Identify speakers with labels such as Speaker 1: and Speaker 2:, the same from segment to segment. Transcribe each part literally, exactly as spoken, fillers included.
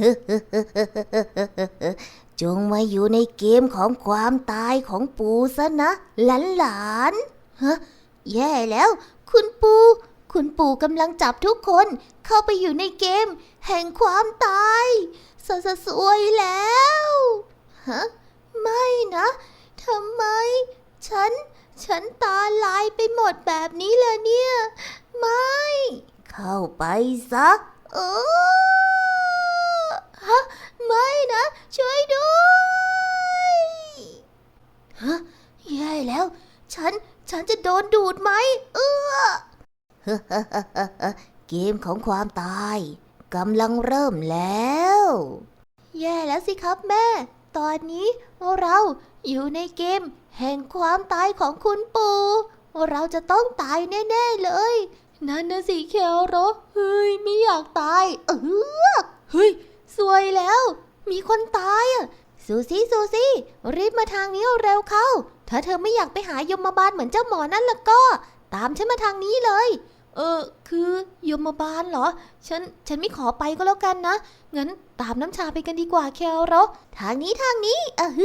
Speaker 1: จงมาอยู่ในเกมของความตายของปู่ซะนะหลานหลานฮะแย่แล้วคุณปู่คุณปู่กำลังจับทุกคนเข้าไปอยู่ในเกมแห่งความตายสะสะสวยแล้วฮะไม่นะทำไมฉันฉันตาลายไปหมดแบบนี้เลยเนี่ยไม่เข้าไปซะเออฮะไม่นะช่วยด้วยฮะแย่แล้วฉันฉันจะโดนดูดไหมเออเกมของความตายกำลังเริ่มแล้วแย่แล้วสิครับแม่ตอนนี้เราอยู่ในเกมแห่งความตายของคุณปู่เราจะต้องตายแน่ๆเลยนั่นนะสิเคโรเฮ้ยไม่อยากตายเออเฮ้ยสวยแล้วมีคนตายอ่ะซูซี่ซูซี่รีบมาทางนี้เร็วเข้าถ้าเธอไม่อยากไปหายมบาลเหมือนเจ้าหมอนั่นล่ะก็ตามฉันมาทางนี้เลยเออคือยมบาลเหรอฉันฉันไม่ขอไปก็แล้วกันนะงั้นตามน้ำชาไปกันดีกว่าเคโรทางนี้ทางนี้เออฮึ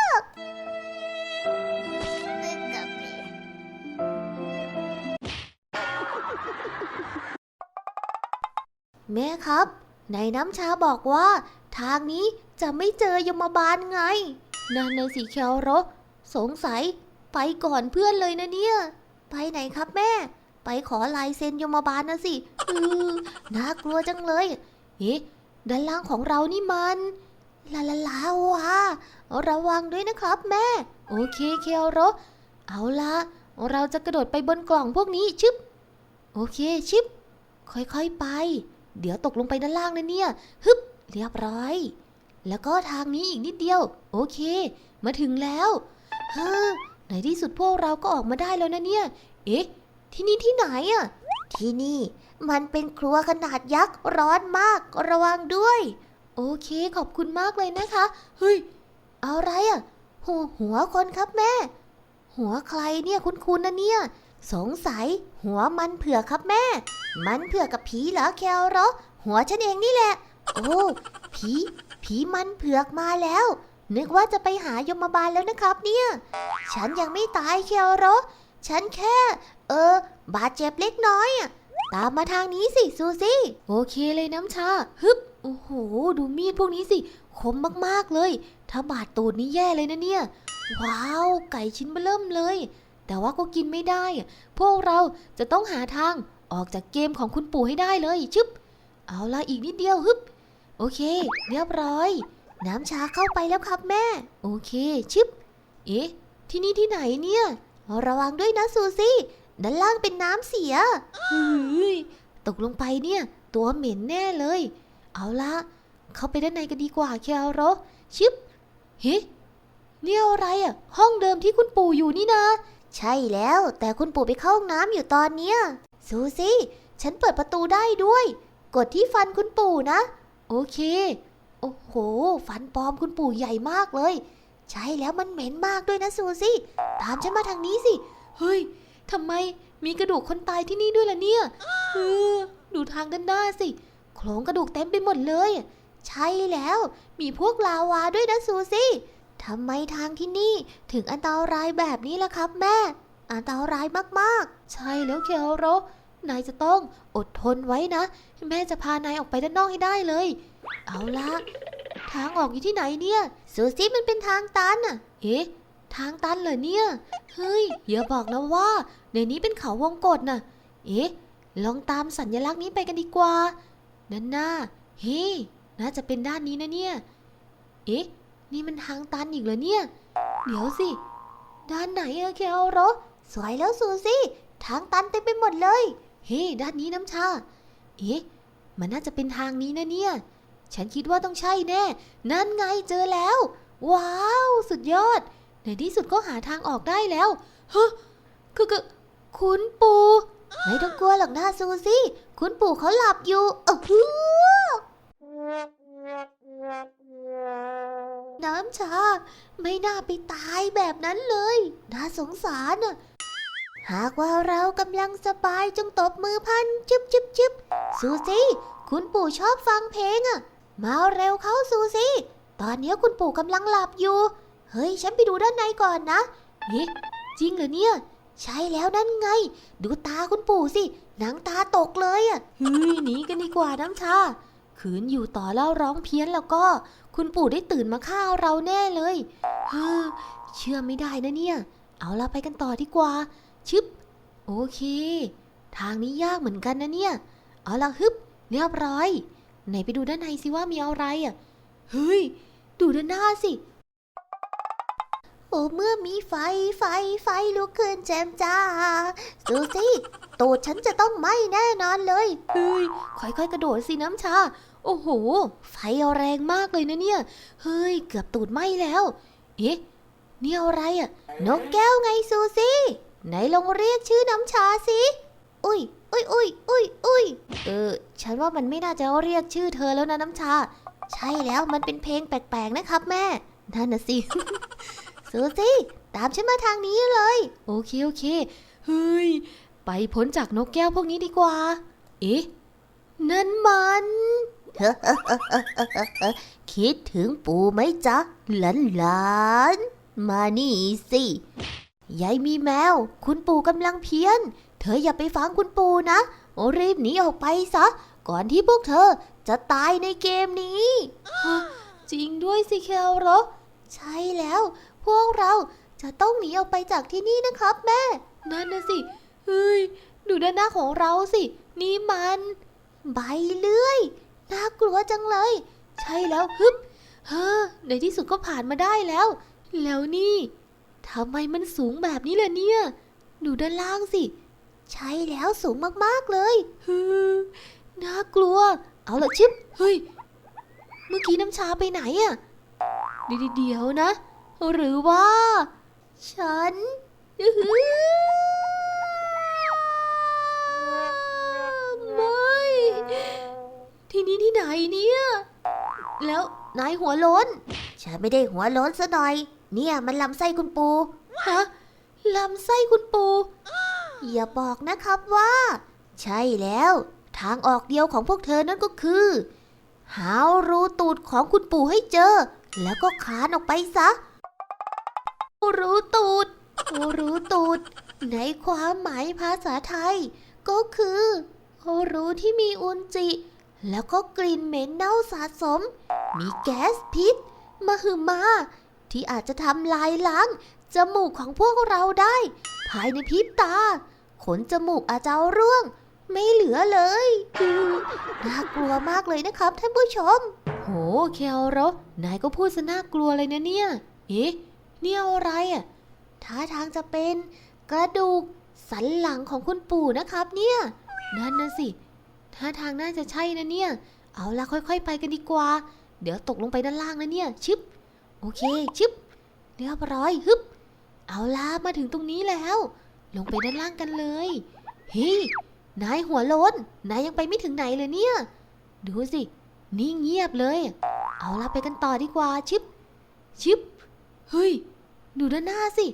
Speaker 1: แม่ครับในน้ำชาบอกว่าทางนี้จะไม่เจอยมบาลไงนั่นนะสิเคโรสงสัยไปก่อนเพื่อนเลยนะเนี่ยไปไหนครับแม่ไปขอลายเซ็นยมบาลนะสิอือน่ากลัวจังเลยเอ๊ะด้านล่างของเรานี่มันลาลาลาวะระวังด้วยนะครับแม่โอเคเคโรเอาละเราจะกระโดดไปบนกล่องพวกนี้ชึบโอเคชิบค่อยๆไปเดี๋ยวตกลงไปด้านล่างนะเนี่ยฮึบเรียบร้อยแล้วก็ทางนี้อีกนิดเดียวโอเคมาถึงแล้วเฮ้อในที่สุดพวกเราก็ออกมาได้แล้วนะเนี่ยเอ๊ะที่นี่ที่ไหนอ่ะที่นี่มันเป็นครัวขนาดยักษ์ร้อนมากระวังด้วยโอเคขอบคุณมากเลยนะคะเฮ้ยอะไรอ่ะหัวหัวคนครับแม่หัวใครเนี่ยคุ้นๆนะเนี่ยสงสัยหัวมันเผือกครับแม่มันเผือกกับผีเหรอแคโรหัวฉันเองนี่แหละโอ้ผีผีมันเผือกมาแล้วนึกว่าจะไปหายมบาลแล้วนะครับเนี่ยฉันยังไม่ตายแคโรฉันแค่เออบาดเจ็บเล็กน้อยอะตามมาทางนี้สิซูซี่โอเคเลยน้ำชาฮึบโอ้โหดูมีดพวกนี้สิคมมากๆเลยถ้าบาดตูดนี่แย่เลยนะเนี่ยว้าวไก่ชิ้นเบ้อเริ่มเลยแต่ว่าก็กินไม่ได้พวกเราจะต้องหาทางออกจากเกมของคุณปู่ให้ได้เลยชึบเอาละอีกนิดเดียวฮึบโอเคเรียบร้อยน้ำชาเข้าไปแล้วครับแม่โอเคชึบเอ๊ะที่นี่ที่ไหนเนี่ยระวังด้วยนะซูซี่ด้านล่างเป็นน้ำเสียเฮ้ยตกลงไปเนี่ยตัวเหม็นแน่เลยเอาละเข้าไปด้านในกันดีกว่าเคโรชึบเฮ้เนี่ยอะไรอ่ะห้องเดิมที่คุณปู่อยู่นี่นะใช่แล้วแต่คุณปู่ไปเข้าห้องน้ำอยู่ตอนเนี้ยซูซี่ฉันเปิดประตูได้ด้วยกดที่ฟันคุณปู่นะโอเคโอ้โหฟันปลอมคุณปู่ใหญ่มากเลยใช่แล้วมันเหม็นมากด้วยนะซูซี่ตามฉันมาทางนี้สิเฮ้ยทำไมมีกระดูกคนตายที่นี่ด้วยล่ะเนี่ยเออดูทางด้านหน้าสิโครงกระดูกเต็มไปหมดเลยใช่แล้วมีพวกลาวาด้วยนะซูซี่ทำไมทางที่นี่ถึงอันตรายแบบนี้ล่ะครับแม่อันตรายมากๆใช่แล้วเคโรนายจะต้องอดทนไว้นะแม่จะพานายออกไปด้านนอกให้ได้เลยเอาละทางออกอยู่ที่ไหนเนี่ยซูซี่มันเป็นทางตันอ่ะเอ๊ะทางตันเหรอเนี่ยเฮ้ยอย่าบอกนะว่าในนี้เป็นเขาวงกตน่ะเอ๊ะลองตามสัญลักษณ์นี้ไปกันดีกว่าด้านหน้าเฮ้ยน่าจะเป็นด้านนี้นะเนี่ยเอ๊ะนี่มันทางตันอีกเหรอเนี่ยเดี๋ยวสิด้านไหนอะเคโรสวยแล้วซูซี่ทางตันเต็มไปหมดเลยเฮ้ด้านนี้น้ำชาเอ๊ะมันน่าจะเป็นทางนี้นะเนี่ยฉันคิดว่าต้องใช่แน่นั่นไงเจอแล้วว้าวสุดยอดในที่สุดก็หาทางออกได้แล้วฮะคือคือคุณปู่ไม่ต้องกลัวหรอกนะซูซี่คุณปู่เขาหลับอยู่เออน้ำชาไม่น่าไปตายแบบนั้นเลยน่าสงสารน่ะหากว่าเรากำลังสบายจงตบมือพันจึ๊บจึ๊บจึ๊บซูซี่คุณปู่ชอบฟังเพลงอ่ะมาเร็วเข้าซูซี่ตอนนี้คุณปู่กำลังหลับอยู่เฮ้ยฉันไปดูด้านในก่อนนะเฮ้จริงเหรอเนี่ยใช่แล้วนั่นไงดูตาคุณปู่สิหนังตาตกเลยอ่ะเฮ้ยหนีกันดีกว่าน้ำชาขืนอยู่ต่อแล้วร้องเพี้ยนแล้วก็คุณปู่ได้ตื่นมาฆ่าเราแน่เลยเฮ้อเชื่อไม่ได้นะเนี่ยเอาละไปกันต่อดีกว่าชึบโอเคทางนี้ยากเหมือนกันนะเนี่ยเอาละฮึบเรียบร้อยไหนไปดูด้านในสิว่ามีอะไรอ่ะเฮ้ยดูด้านหน้าสิโอ้เมื่อมีไฟไฟไฟลุกขึ้นแจ่มจ้าซูซี่ตูดฉันจะต้องไหม้แน่นอนเลยเฮ้ยค่อยๆกระโดดสิน้ำชาโอ้โหไฟแรงมากเลยนะเนี่ยเฮ้ยเกือบตูดไหม้แล้วเอ๊ะนี่อะไรอ่ะนกแก้วไงซูซี่ไหนลองเรียกชื่อน้ำชาสิอุ้ยอุ้ยอุ้ยอุ้ยอุ้ยเออฉันว่ามันไม่น่าจะเรียกชื่อเธอแล้วนะน้ำชาใช่แล้วมันเป็นเพลงแปลกๆนะครับแม่นั่นน่ะสิ ซูซี่ตามฉันมาทางนี้เลยโอเคโอเคเฮ้ยไปพ้นจากนกแก้วพวกนี้ดีกว่าเอ๊ะนั่นมัน คิดถึงปู่ไหมจ๊ะหลานหลานมานี่สิยายมีแมวคุณปู่กำลังเพี้ยนเธออย่าไปฟังคุณปู่นะโอรีบหนีออกไปซะก่อนที่พวกเธอจะตายในเกมนี้จริงด้วยสิแคลโรใช่แล้วพวกเราจะต้องหนีออกไปจากที่นี่นะครับแม่นั่นนะสิเฮ้ยดูด้านหน้าของเราสินี่มันใบเลื่อยน่ากลัวจังเลยใช่แล้วฮึบเฮ้อในที่สุดก็ผ่านมาได้แล้วแล้วนี่ทำไมมันสูงแบบนี้ล่ะเนี่ยดูด้านล่างสิใช่แล้วสูงมากๆเลยฮึน่ากลัวเอาละชิปเฮ้ยเมื่อกี้น้ำชาไปไหนอะเดี๋ยวนะหรือว่าฉันไม่ที่นี่ที่ไหนเนี่ยแล้วนายหัวโล้นฉันไม่ได้หัวโล้นซะหน่อยเนี่ยมันลำไส้คุณปูฮะลำไส้คุณปูอย่าบอกนะครับว่าใช่แล้วทางออกเดียวของพวกเธอนั่นก็คือหารูตูดของคุณปู่ให้เจอแล้วก็คานออกไปซะรูตูดรูตูดในความหมายภาษาไทยก็คือรูที่มีอุจจิแล้วก็กลิ่นเหม็นเน่าสะสมมีแก๊สพิษมหึมาที่อาจจะทำลายล้างจมูกของพวกเราได้ภายในพริบตาขนจมูกอาจจะร่วงไม่เหลือเลยน่ากลัวมากเลยนะครับท่านผู้ชมโหแคลโรนายก็พูดซะน่ากลัวเลยนะเนี่ยเอ๊ะนี่อะไรอ่ะท่าทางจะเป็นกระดูกสันหลังของคุณปู่นะครับเนี่ยนั่นนะสิท่าทางน่าจะใช่นะเนี่ยเอาละค่อยๆไปกันดีกว่าเดี๋ยวตกลงไปด้านล่างนะเนี่ยชึบโอเคชึบเรียบร้อยฮึบเอาละมาถึงตรงนี้แล้วลงไปด้านล่างกันเลยเฮ้ยนายหัวโล้นนายยังไปไม่ถึงไหนเลยเนี่ยดูสินี่เงียบเลยเอาละไปกันต่อดีกว่าชึบชึบเฮ้ยดูด้านหน้าสิ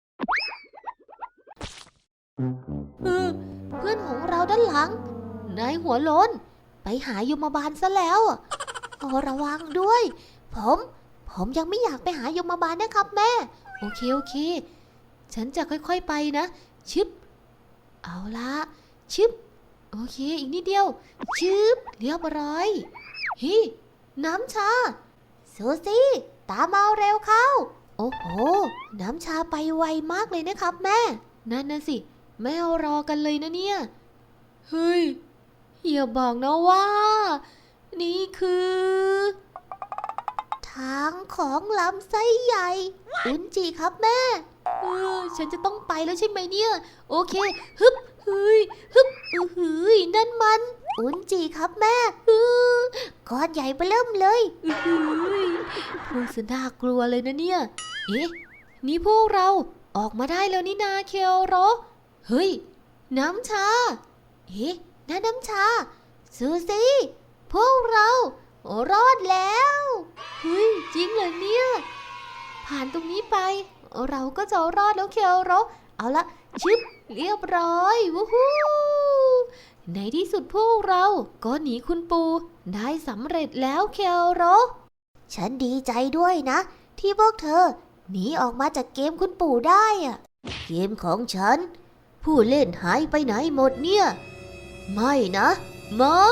Speaker 1: เออเพื่อนของเราด้านหลังนายหัวโล้นไปหายมบาลซะแล้วโอ้ระวังด้วยผมผมยังไม่อยากไปหายมบาลนะครับแม่โอเคโอเคฉันจะค่อยๆไปนะชึบเอาละชึบโอเคอีกนิดเดียวชึบเรียบร้อยเฮ้ยน้ำชาซูซี่ตามมาเร็วเข้าโอ้โหน้ำชาไปไวมากเลยนะครับแม่นั่นน่ะสิแม่รอกันเลยนะเนี่ยเฮ้ยอย่าบอกนะว่านี่คือทางของลำไส้ใหญ่อุนจิครับแม่เออฉันจะต้องไปแล้วใช่ไหมเนี่ยโอเคฮึบเฮ้ยฮึบอือหือนั่นมันอุนจิครับแม่อือก้อนใหญ่ไปเริ่มเลยอือหือพูดซะน่ากลัวเลยนะเนี่ยเอ๊ะนี่พวกเราออกมาได้แล้วนี่นาเคลโรเฮ้ยน้ำชาเอ๊ะนั่นน้ำชาซูซี่พวกเรารอดแล้วเฮ้ยจริงเหรอเนี่ยผ่านตรงนี้ไปเราก็จะรอดแล้วเคลโรเอาละชึบเรียบร้อยวู้ฮู้ในที่สุดพวกเราก็หนีคุณปู่ได้สำเร็จแล้วเคโรฉันดีใจด้วยนะที่พวกเธอหนีออกมาจากเกมคุณปู่ได้อะเกมของฉันผู้เล่นหายไปไหนหมดเนี่ยไม่นะไม่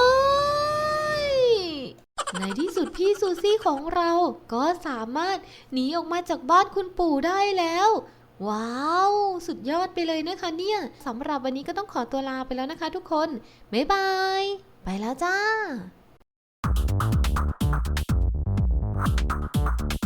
Speaker 1: ในที่สุดพี่ซูซี่ของเราก็สามารถหนีออกมาจากบ้านคุณปู่ได้แล้วว้าวสุดยอดไปเลยนะคะเนี่ยสำหรับวันนี้ก็ต้องขอตัวลาไปแล้วนะคะทุกคนบ๊ายบายไปแล้วจ้า